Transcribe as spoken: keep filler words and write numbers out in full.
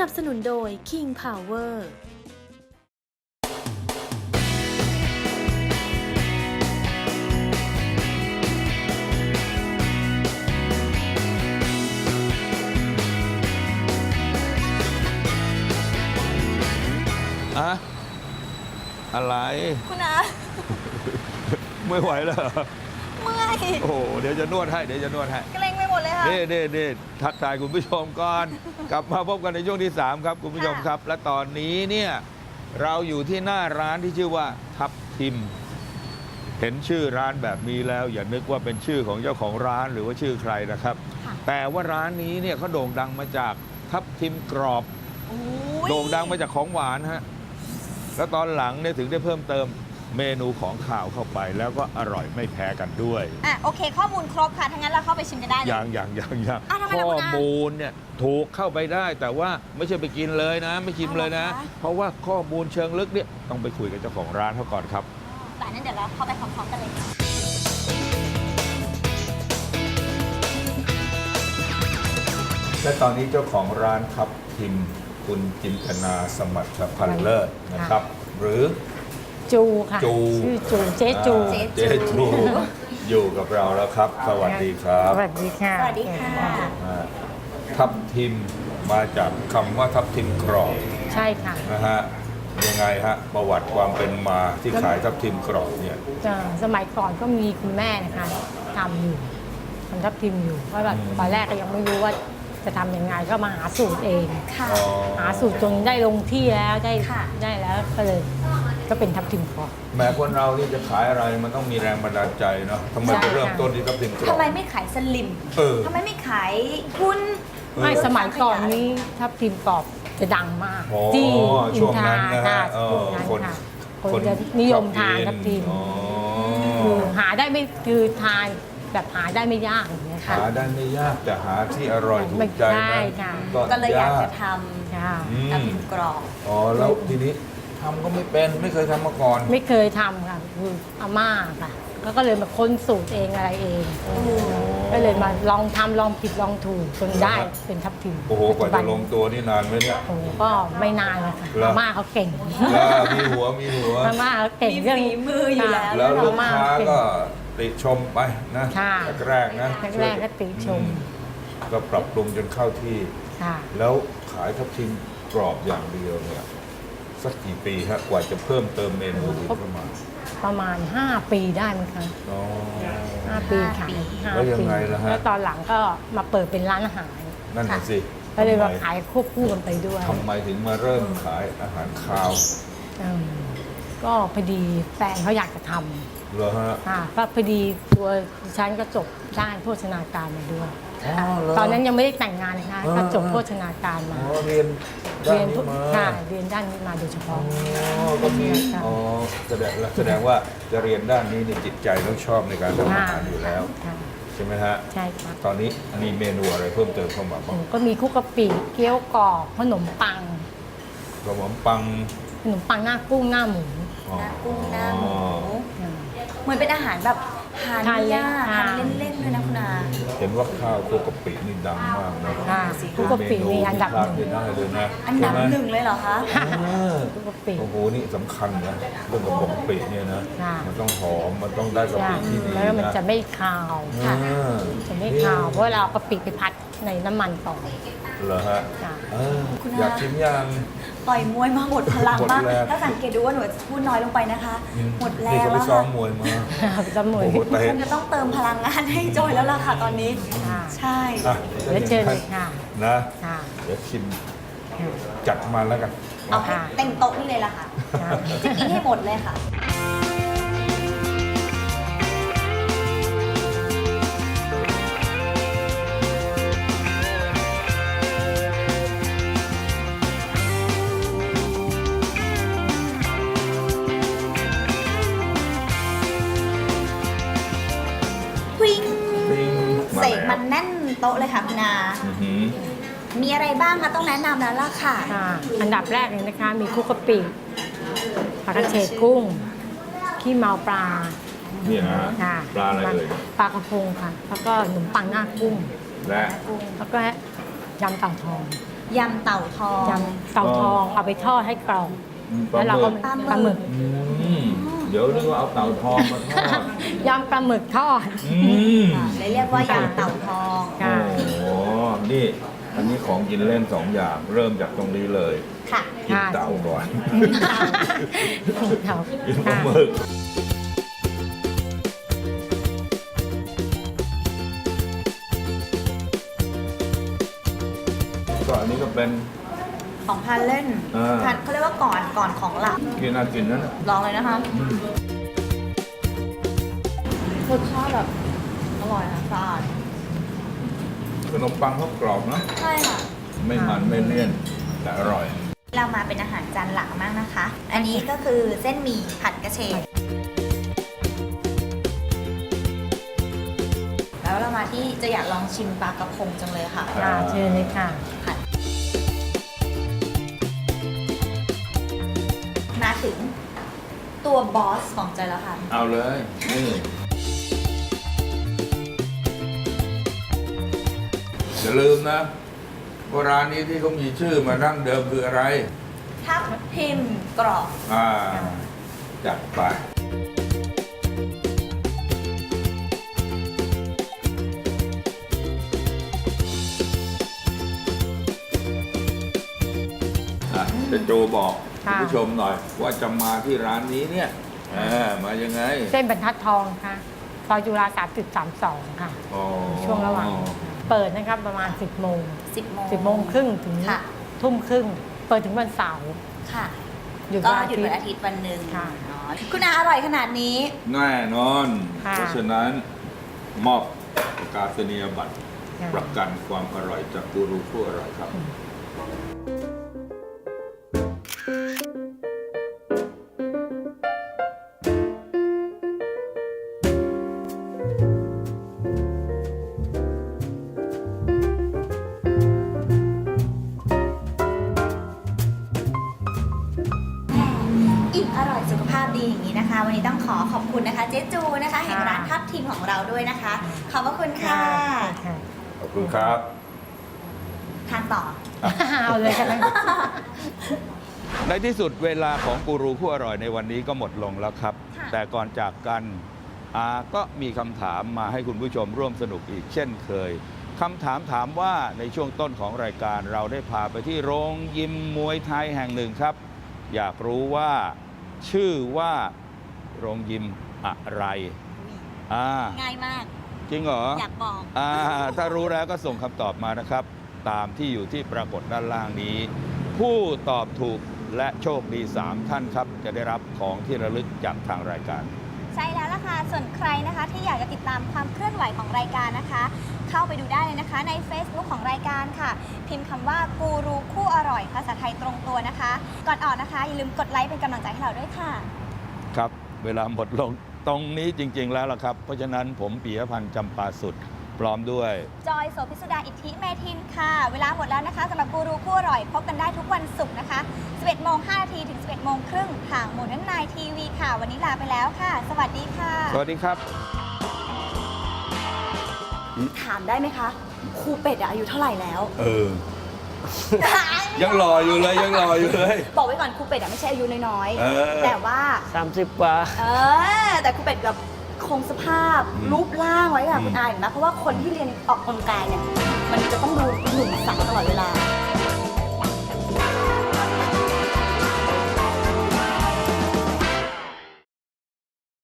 บสนุนโดย King Power อะอะไรคุณอาไม่ไหวแล้วเหรอเมื่อยโอ้โหเดี๋ยวจะนวดให้เดี๋ยวจะนวดให้เกรงไปหมดเลยค่ะเน่เน่เน่ทักทายคุณผู้ชมก่อน กลับมาพบกันในช่วงที่สามครับคุณผู้ชมครับ และตอนนี้เนี่ยเราอยู่ที่หน้าร้านที่ชื่อว่าทับทิม เห็นชื่อร้านแบบนี้แล้ว อย่านึกว่าเป็นชื่อของเจ้าของร้านหรือว่าชื่อใครนะครับ แต่ว่าร้านนี้เนี่ยเขาโด่งดังมาจากทับทิมกรอบโอ้ยโด่งดังมาจากของหวานฮะ แล้วตอนหลังเนี่ยถึงได้เพิ่มเติมเมนูของข่าวเข้าไป แล้วก็อร่อยไม่แพ้กันด้วยอ่ะโอเค ข้อมูลครบค่ะ ทั้างนั้นเราเข้าไปชิมกันได้เลยอย่างอย่างอย่างอย่างอ้าวทำไมข้ล่ะอคุณอามูลเนี่ยถูกเข้าไปได้แต่ว่าไม่ใช่ไปกินเลยนะ ไม่ชิมเลยนะเอาเหรอคะเพราะว่าข้อมูลเชิงลึกเนี่ยต้องไปคุยกับเจ้าของร้านเขาก่อนครับแต่นั้นเดี๋ยวเราเข้าไปพร้อมๆกันเลยค่ะและตอนนี้เจ้าของร้านทับทิมคุณจินตนาสมัติพันเลิศนะครับ หรือจูค่ะจูชื่อจูเจ๊จูอ่าเจ๊จูอยู่กับเราแล้วครับ สวัสดีครับสวัสดีค่ะสวัสดีค่ะอ่าทับทิมมาจากคำว่าทับทิมกรอบใช่ค่ะนะฮะยังไงฮะประวัติความเป็นมาที่ขายทับทิมกรอบเนี่ยจะสมัยก่อนก็มีคุณแม่นะคะทำอยู่ทำทับทิมอยู่เพราะแบบอืมตอนแรกก็ยังไม่รู้ว่าจะทำยังไงก็มาหาสูตรเองค่ะอ๋อหาสูตรจนได้ลงที่แล้วได้ค่ะได้แล้วก็เลยก็เป็นทับทิมกรอบแม้คนเรานี่จะขายอะไรมันต้องมีแรงบันดาลใจเนาะทำไมใช่ไปเริ่มค่ะต้นที่ทับทิมกรอบทำไมไม่ขายสลิมเออทำไมไม่ขายหุ้นเออไม่สมัยก่อนนี้ทับทิมกรอบจะดังมากอ๋อที่อิช่นวงทนั้รานนะค่ะฮะเออช่วงนั้นคนค่ะคนจะนิยมทานทับทิมอ๋อคือหาได้ไม่คือทานแบบหาได้ไม่ยากอย่างเงี้ยค่ะหาได้ไม่ยากแต่หาที่อร่อยถูไม่กใจได้นะค่ะก็เลยอยากจะทค่ะอืำมน้ำพริกกรอบอ๋อแล้วทีนี้ทำก็ไม่เป็นไม่เคยทำมาก่อนไม่เคยทำค่ะคืออาม่าค่ะแล้วก็เลยมาค้นสูตรเองอะไรเอง ก็เลยมาลองทำลองผิดลองถูกจนได้เป็นทับทิมโอ้โหกว่าจะลงตัวนี่นานไหมเนี่ยโอ้โหก็ไม่นานเลยค่ะเหรออาม่าเขาเก่งแล้วมีหัวมีหัวอาม่าเขาเก่งเรื่องมีฝีมืออยู่แล้วแล้วลูกอม่ค้าเงก็ติชมไปนะค่ะแรกๆนะแรกๆก็ติชมอืก็ปรับปรุงจนเข้าที่ค่ะแล้วขายทับทิมกรอบอย่างเดียวเนี่ยสักกี่ปีฮะกว่าจะเพิ่มเติมเมนูอื่นเข้ามาประมาณ ห้า ปีได้มั้งคะอ๋อห้าปีค่ะห้าแล้วยังไงล่ะฮะแล้วตอนหลังก็มาเปิดเป็นร้านอาหารนั่นน่ะสิก็เลยมาทำไมขายควบคู่กันไปด้วยทำไมถึงมาเริ่มขายอาหารคาวอืมก็พอดีแฟนเขาอยากจะทำเหรอฮะค่ะก็พอดีตัวดิฉันก็จบด้านโภชนาการมาด้วยอ๋อเหรอตอนนั้นยังไม่ได้แต่งงานนะคะอ่าก็จบโภชนาการมาอ๋อเรียนด้าเรีนนนี้มาค่ะเรียนด้านนี้มาโดยเฉพาะอ๋อก็มีค่ะอ๋อแสดงแสดงว่าจะเรียนด้านนี้นี่จิตใจต้องชอบในการทำอาหารอยู่แล้วค่ะใช่ไหมฮะใช่ค่ะตอนนี้มีเมนูอะไรเพิ่มเติมเข้ามาบ้างก็มีคุกกะปิเกี๊ยวกรอบขนมปังขนมปังขนมปังหน้ากุ้งหน้าหมูอ๋อหน้ากุ้งหน้าหมูอืมเหมือนเป็นอาหารแบบทานทานเล่นยากค่ะทานเล่นๆเลยนะคุณอาเห็นว่าข้าวคลุกกะปินี่ดังมากนะค่ะคุกกะปินี่อันดับหนึ่งเมนูที่พลาดไม่ได้เลยนะอันดับใช่ไมหนึ่งเลยเหรอคะเออคุกกะปิโอ้โหนี่สำคัญนะเรื่องกระป๋องกะปิเนี่ยนะค่ะมันต้องหอมมันต้องได้กะใช่ปิที่ดีแล้วมันนะจะไม่คาวค่ะเออจะไม่คาวเพราะเราเอากะปิไปพัดในน้ำมันก่อนเหรอฮะค่ะเออคุณอาอยากชิมยังต่อยมวยมาหมดพลังหมดมากแรงถ้าสังเกตดูว่าหนูพูดน้อยลงไปนะคะ หมดแรนี่งเขาไปแล้วซ้อค่ะมมวยมาสมุยโอ้โหเตะคงจะต้องเติมพลังงานให้จอยแล้วล่ะค่ะตอนนี้ค่ะใช่อ่ะแล้วเชิญเลยค่ะนะค่ะเดี๋ยวชิมจัดมาแล้วกันเอาให้เต็มโต๊ะนี่เลยล่ะค่ะค่ะจะกินให้หมดเลยค่ะ วิ่งปิ้งเสกมันแน่นโต๊ะเลยค่ะคุณอาอื้อหือมีอะไรบ้างคะต้องแนะนำแล้วล่ะค่ะค่ะ อันดับแรกเลยนะคะ มีคุกกะปิผักกระเฉดกุ้ง ขี้เมาปลานี่นะฮะค่ะปลาอะไรเอ่ยปลากระพงค่ะ แล้วก็ขนมปังหน้ากุ้งและแล้วก็ยำเต่าทองอยำเต่าทองยำเต่าทองเอาไปทอดให้กรอบอืมแล้วเราก็ปลาหมึกปลาหมึกอืมเดี๋ยวนึกว่าเอาเต่าทองมาทอดยำปลาหมึกทอดอืมค่ะเลยเรียกว่ายำเต่าทองค่ะโอ้โหนี่ อันนี้ของกินเล่นสองอย่าง เริ่มจากตรงนี้เลยค่ะกินเต่าก่อนเต่ากินปลาหมึกก็อันนี้ก็เป็นของพันเล่นอ่าพันเขาเรียกว่าก่อนก่อนของหลักกินน่ากินนั่นน่ะลองเลยนะคะอืมรสชาติแบบอร่อยค่ะสะอาดขนมปังเขากรอบนะใช่ค่ะไม่มันไม่เลี่ยน แต่อร่อยเรามาเป็นอาหารจานหลักมากนะคะ อันนี้ก็คือเส้นหมี่ผัดกระเฉดแล้วเรามาที่จะอยากลองชิมปลากระพงจังเลยค่ะค่ะเชิญเลยค่ะมาถึงตัวบอสของใจแล้วค่ะเอาเลย นี่อย่าลืมนะว่าร้านนี้ที่เขามีชื่อมาดั้งเดิมคืออะไรทับทิมกรอบอ่า จัดไป อ่ะจะโจบอกคุณค่ะผู้ชมหน่อย ว่าจะมาที่ร้านนี้เนี่ยเออมายังไงเส้นบรรทัดทองค่ะซอยจุฬาสามจุดสามสองค่ะอ๋อช่วงระหว่าง เปิดนะครับประมาณ สิบโมงสิบโมงสิบโมงครึ่งถึงค่ะทุ่มครึ่ง เปิดถึงวันเสาร์ค่ะหยุดก็วันอาหยุดทิตวันย์อาทิตย์วันหนึ่งค่ะอ๋อคุณอาอร่อยขนาดนี้แน่นอนค่ะเพราะฉะนั้น มอบประกาศนียบัตรค่ะประกันความอร่อยจากกูรูผู้อร่อยครับอิ่มอร่อยสุขภาพดีอย่างนี้นะคะ วันนี้ต้องขอขอบคุณนะคะ เจ๊จูนะคะ แห่งร้านทับทิมของเราด้วยนะคะ ขอบพระคุณค่ะค่ะขอบคุณครับทานต่อเอาเลยค่ะในที่สุดเวลาของกูรูผู้อร่อยในวันนี้ก็หมดลงแล้วครับค่ะแต่ก่อนจากกันอาก็มีคำถามมาให้คุณผู้ชมร่วมสนุกอีกเช่นเคยคำถามถามว่าในช่วงต้นของรายการเราได้พาไปที่โรงยิมมวยไทยแห่งหนึ่งครับ อยากรู้ว่าชื่อว่าโรงยิมอะไรอ่าง่ายมากจริงเหรออยากบอกอ่าถ้ารู้แล้วก็ส่งคำตอบมานะครับ ตามที่อยู่ที่ปรากฏด้านล่างนี้ ผู้ตอบถูกและโชคดี สาม ท่านครับ จะได้รับของที่ระลึกจากทางรายการใช่แล้วล่ะค่ะ ส่วนใครนะคะที่อยากจะติดตามความเคลื่อนไหวของรายการนะคะ เข้าไปดูได้เลยนะคะใน Facebook ของรายการค่ะ พิมพ์คำว่ากูรูคู่อร่อยภาษาไทยตรงตัวนะคะ ก่อนออกนะคะ อย่าลืมกดไลค์เป็นกำลังใจให้เราด้วยค่ะครับ เวลาหมดลงตรงนี้จริง ๆ แล้วล่ะครับ เพราะฉะนั้นผมปิยพันธ์จำปาสุดพร้อมด้วยจอยโสภิสุดาอิทธิเมทินค่ะ เวลาหมดแล้วนะคะสำหรับกูรูคู่อร่อยพบกันได้ทุกวันศุกร์นะคะ สิบเอ็ดโมงห้านาทีถึง สิบเอ็ดโมงครึ่งทางโมเดิร์นไนน์ทีวีค่ะ วันนี้ลาไปแล้วค่ะ สวัสดีค่ะสวัสดีครับถามได้ไหมคะครูเป็ดอะอายุเท่าไหร่แล้วเออ ยังรออยู่เลยยังรออยู่เลยบอกไว้ก่อนครูเป็ดอะไม่ใช่อายุน้อยเออๆแต่ว่าสามสิบกว่าเออ แต่ครูเป็ดแบบคงสภาพอืมรูปร่างไว้ค่ะอืมคุณอาเห็นไหมเพราะว่าคนที่เรียนออกกำลังกายเนี่ย มันจะต้องดูหนุ่มสาวตลอดเวลา